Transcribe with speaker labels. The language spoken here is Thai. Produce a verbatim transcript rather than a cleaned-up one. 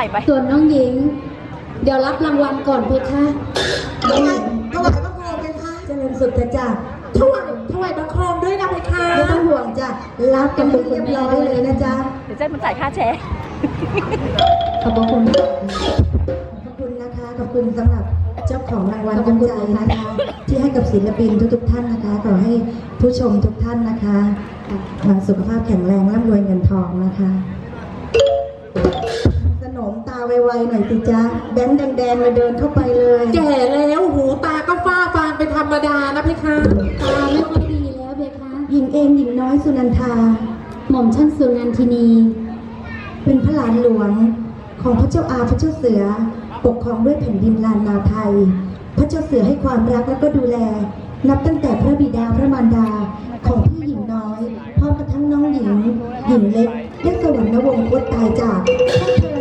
Speaker 1: ไป
Speaker 2: ส่วนน้องหญิง เดี๋ยวรับรางวัลก่อนเพคะ
Speaker 3: ถวายถวายบังคมเพคะเจริญสุดจ้ะถวายถวายบังคมด้วยนะเพคะไม่ต้องห่วงจ้ะรับกันเป็นเรียบร้อยเลยนะจ๊ะ
Speaker 1: เดี๋ยวเจ๊มันจ่ายค่าแชร์
Speaker 2: ขอบพระคุณ
Speaker 3: ขอบคุณนะคะขอบคุณสำหรับเจ้าของรางวัลน้ำใจนะคะ ที่ให้กับศิลปินทุกๆท่านนะคะขอให้ผู้ชมทุกท่านนะคะสุขภาพแข็งแรงร่ำรวยเงินทองนะคะสนมตาไวๆหน่อยสิจ๊ะแบงค์แดงๆมาเดินเข้าไปเลย
Speaker 4: แก่แล้วหูตาก็ฝ้าฟางเป็นธรรมดานะพี่คะ
Speaker 2: ตาไม่ค่อยดีแล้วเพคะ
Speaker 3: หญิงเองหญิงน้อยสุนันทา
Speaker 2: หม่อมชั้นสุนันทินี
Speaker 3: เป็นพระหลานหลวงของพระเจ้าอาพระเจ้าเสือปกครองด้วยแผ่นดินลานนาไทย พระเจ้าเสือให้ความรักและก็ดูแล นับตั้งแต่พระบิดาพระมารดาของพี่หญิงน้อยพร้อมกระทั่งน้องหญิง หญิงเล็กได้สวรรควงศ์คตตายจากพวกเธอ